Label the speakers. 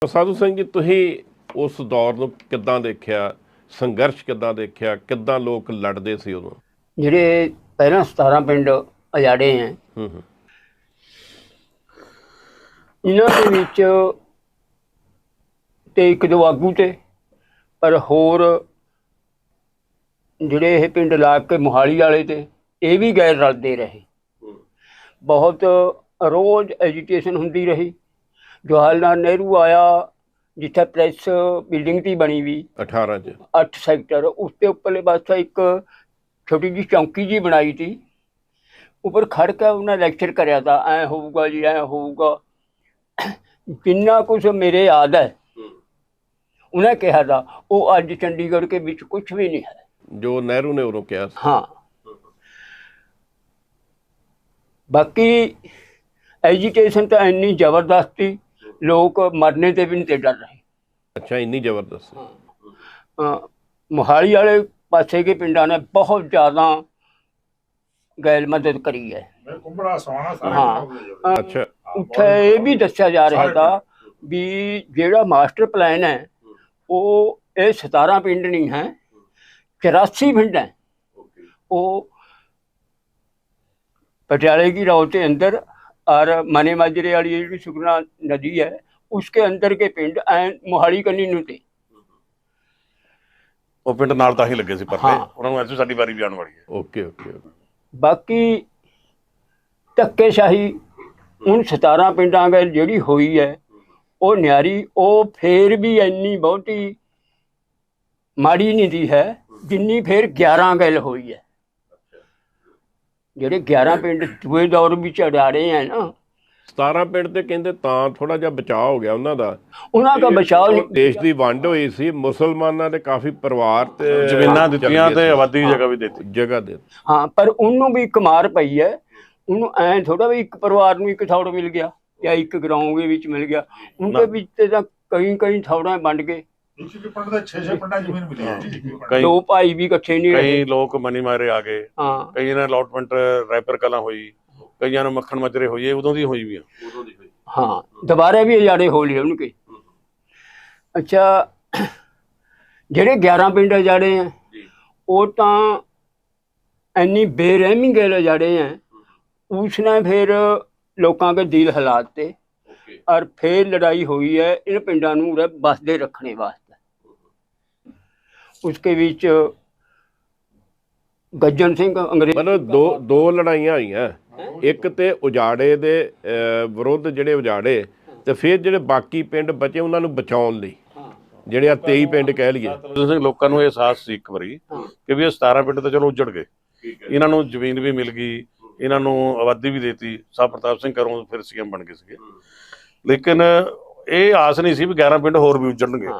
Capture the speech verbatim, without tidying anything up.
Speaker 1: ਸਾਧੂ ਸਿੰਘ ਜੀ, ਤੁਸੀਂ ਉਸ ਦੌਰ ਨੂੰ ਕਿੱਦਾਂ ਦੇਖਿਆ? ਸੰਘਰਸ਼ ਕਿੱਦਾਂ ਦੇਖਿਆ? ਕਿੱਦਾਂ ਲੋਕ ਲੜਦੇ ਸੀ ਉਦੋਂ?
Speaker 2: ਜਿਹੜੇ ਪਹਿਲਾਂ ਸਤਾਰਾਂ ਪਿੰਡ ਉਜਾੜੇ ਹੈ,
Speaker 1: ਹੂੰ ਹੂੰ
Speaker 2: ਇਹਨਾਂ ਦੇ ਵਿੱਚ ਤੇ ਇੱਕ ਦੋ ਆਗੂ ਤੇ ਪਰ ਹੋਰ ਜਿਹੜੇ ਇਹ ਪਿੰਡ ਲਾ ਕੇ ਮੋਹਾਲੀ ਵਾਲੇ ਤੇ ਇਹ ਵੀ ਗੈਰ ਰਲਦੇ ਰਹੇ। ਬਹੁਤ ਰੋਜ਼ ਐਜੀਟੇਸ਼ਨ ਹੁੰਦੀ ਰਹੀ। ਜਵਾਹਰ ਲਾਲ ਨਹਿਰੂ ਆਇਆ, ਜਿੱਥੇ ਪ੍ਰੈਸ ਬਿਲਡਿੰਗ ਤੀ ਬਣੀ ਵੀ
Speaker 1: ਅਠਾਰਾਂ ਚ
Speaker 2: ਅੱਠ ਸੈਕਟਰ, ਉਸ ਤੇ ਉੱਪਰਲੇ ਪਾਸੇ ਇੱਕ ਛੋਟੀ ਜਿਹੀ ਚੌਂਕੀ ਜੀ ਬਣਾਈ ਤੀ। ਉੱਪਰ ਖੜ੍ਹ ਕੇ ਉਹਨਾਂ ਲੈਕਚਰ ਕਰਿਆ ਤਾ, ਐਂ ਹੋਊਗਾ ਜੀ, ਐਂ ਹੋਊਗਾ। ਜਿੰਨਾ ਕੁਛ ਮੇਰੇ ਯਾਦ ਹੈ ਉਹਨੇ ਕਿਹਾ ਤਾ, ਉਹ ਅੱਜ ਚੰਡੀਗੜ੍ਹ ਕੇ ਵਿੱਚ ਕੁਛ ਵੀ ਨਹੀਂ ਹੈ
Speaker 1: ਜੋ ਨਹਿਰੂ ਨੇ ਉਦੋਂ ਕਿਹਾ ਸੀ।
Speaker 2: ਹਾਂ, ਬਾਕੀ ਐਜੀਟੇਸ਼ਨ ਤਾਂ ਇੰਨੀ ਜ਼ਬਰਦਸਤ ਸੀ, ਲੋਕ ਮਰਨੇ ਤੇ ਵੀ ਨਹੀਂ ਤੇ ਡਰ ਰਹੇ।
Speaker 1: ਅੱਛਾ, ਇੰਨੀ ਜ਼ਬਰਦਸਤ?
Speaker 2: ਅ, ਮੋਹਾਲੀ ਵਾਲੇ ਪਾਸੇ ਕੇ ਪਿੰਡਾਂ ਨੇ ਬਹੁਤ ਜ਼ਿਆਦਾ ਗੈਰ ਮਦਦ ਕਰੀ ਹੈ। ਹਾਂ, ਅ,
Speaker 1: ਅੱਛਾ,
Speaker 2: ਉੱਥੇ ਇਹ ਵੀ ਦੱਸਿਆ ਜਾ ਰਿਹਾ ਤਾ ਵੀ ਜਿਹੜਾ ਮਾਸਟਰ ਪਲਾਨ ਹੈ ਉਹ ਇਹ ਸਤਾਰਾਂ ਪਿੰਡ ਨਹੀਂ ਹੈ, ਚੁਰਾਸੀ ਪਿੰਡ ਹੈ। ਉਹ पटियाले की राव के अंदर और मने माजरे वाली जी सुखना नदी है उसके अंदर के पिंड एन मोहाली कनी नूं ते
Speaker 3: ਉਹ ਪਿੰਡ ਨਾਲ ਤਾਂ ਹੀ ਲੱਗੇ ਸੀ ਪਰਲੇ,
Speaker 2: ਹਾਂ।
Speaker 3: ਉਹਨਾਂ ਨੂੰ ਐਸੀ ਸਾਡੀ ਵਾਰੀ ਵੀ ਆਉਣ ਵਾਲੀ ਹੈ।
Speaker 1: Okay okay.
Speaker 2: बाकी ਧੱਕੇਸ਼ਾਹੀ उन सतारा पिंडां गैल ਜਿਹੜੀ ਹੋਈ ਹੈ ਉਹ ਨਿਆਰੀ, ਉਹ ਫੇਰ ਵੀ ਇੰਨੀ ਬਹੁਤੀ ਮਾੜੀ ਨਹੀਂ ਦੀ ਹੈ ਜਿੰਨੀ ਫੇਰ ਗਿਆਰਾਂ ਗੈਲ ਹੋਈ ਹੈ। ਜਿਹੜੇ ਗਿਆਰਾਂ ਪਿੰਡ ਦੂਏ ਦੌਰ ਵਿੱਚ ਅਡਾੜੇ ਹੈ ਨਾ,
Speaker 1: ਸਤਾਰਾਂ ਪਿੰਡ ਤੇ ਕਹਿੰਦੇ ਤਾਂ ਥੋੜਾ ਜਿਹਾ ਬਚਾਅ ਹੋ ਗਿਆ ਉਹਨਾਂ ਦਾ।
Speaker 2: ਉਹਨਾਂ ਦਾ ਬਚਾਅ ਨਹੀਂ।
Speaker 1: ਦੇਸ਼ ਦੀ ਵੰਡ ਹੋਈ ਸੀ, ਮੁਸਲਮਾਨਾਂ ਦੇ ਕਾਫੀ ਪਰਿਵਾਰ ਤੇ
Speaker 3: ਜ਼ਮੀਨਾਂ ਦਿੱਤੀਆਂ ਤੇ ਆਬਾਦੀ ਦੀ ਜਗ੍ਹਾ ਵੀ ਦਿੱਤੀ।
Speaker 1: ਜਗ੍ਹਾ ਦੇ
Speaker 2: ਹਾਂ, ਪਰ ਉਹਨੂੰ ਵੀ ਇੱਕ ਮਾਰ ਪਈ ਹੈ। ਉਹਨੂੰ ਐਂ ਥੋੜਾ ਵੀ ਇੱਕ ਪਰਿਵਾਰ ਨੂੰ ਇੱਕ ਥੌੜ ਮਿਲ ਗਿਆ ਜਾਂ ਇੱਕ ਗਰਾਊਂਡ ਦੇ ਵਿੱਚ ਮਿਲ ਗਿਆ। ਉਹਦੇ ਵਿੱਚ ਤੇ ਤਾਂ ਕਈ ਕਈ ਥੌੜਾਂ ਵੰਡ ਕੇ
Speaker 3: ਕਈ
Speaker 2: ਦੋ ਭਾਈ ਵੀ ਇਕੱਠੇ ਨਹੀਂ ਰਹੇ।
Speaker 3: ਕਈ ਲੋਕ ਮਨੀ ਮਾਰੇ ਆ ਗਏ,
Speaker 2: ਹਾਂ,
Speaker 3: ਕਈਆਂ ਨੇ ਅਲਾਟਮੈਂਟ ਰੈਪਰ ਕਲਾਂ ਹੋਈ, ਕਈਆਂ ਨੂੰ ਮੱਖਣ ਮਜਰੇ ਹੋਈ, ਉਦੋਂ ਦੀ ਹੋਈ ਵੀ ਆ।
Speaker 2: ਹਾਂ, ਦੁਬਾਰਾ ਵੀ ਉਜਾੜੇ ਹੋ ਲਏ ਉਹਨਾਂ ਕੇ। ਅੱਛਾ, ਜਿਹੜੇ ਗਿਆਰਾਂ ਪਿੰਡ ਉਜਾੜੇ ਹੈ ਉਹ ਤਾਂ ਇੰਨੀ ਬੇਰਹਿਮੀ ਗੈਲ ਉਜਾੜੇ ਹੈ, ਉਸਨੇ ਫਿਰ ਲੋਕਾਂ ਦੇ ਦਿਲ ਹਿਲਾਤੇ ਔਰ ਫਿਰ ਲੜਾਈ ਹੋਈ ਹੈ इन ਪਿੰਡਾਂ ਨੂੰ ਉਰੇ ਬਸਦੇ ਰੱਖਣੇ ਵਾਸਤੇ। ਉਸਕੇ ਵਿੱਚ ਗੱਜਣ ਸਿੰਘ ਅੰਗਰੇਜ਼
Speaker 1: ਮਤਲਬ ਦੋ ਦੋ ਲੜਾਈਆਂ ਹੋਈਆਂ, ਇੱਕ ਤੇ ਉਜਾੜੇ ਦੇ ਅਹ, ਵਿਰੁੱਧ ਜਿਹੜੇ ਉਜਾੜੇ, ਤੇ ਫਿਰ ਜਿਹੜੇ ਬਾਕੀ ਪਿੰਡ ਬਚੇ ਉਹਨਾਂ ਨੂੰ ਬਚਾਉਣ ਲਈ, ਜਿਹੜੇ ਆ ਤੇਈ ਪਿੰਡ ਕਹਿ ਲਈਏ।
Speaker 3: ਸਿੰਘ ਲੋਕਾਂ ਨੂੰ ਇਹ ਅਹਿਸਾਸ ਸੀ ਇੱਕ ਵਾਰੀ ਕਿ ਵੀ ਇਹ ਸਤਾਰਾਂ ਪਿੰਡ ਤਾਂ ਚਲੋ ਉੱਜੜ ਗਏ, ਇਹਨਾਂ ਨੂੰ ਜ਼ਮੀਨ ਵੀ ਮਿਲ ਗਈ, ਇਹਨਾਂ ਨੂੰ ਆਬਾਦੀ ਵੀ ਦੇਤੀ। ਸਾਹ ਪ੍ਰਤਾਪ ਸਿੰਘ ਘਰੋਂ ਫਿਰ ਸੀਐਮ ਬਣ ਗਏ ਸੀਗੇ, ਲੇਕਿਨ ਇਹ ਆਸ ਨਹੀਂ ਸੀ ਵੀ ਗਿਆਰਾਂ ਪਿੰਡ ਹੋਰ ਵੀ ਉੱਜੜਨਗੇ।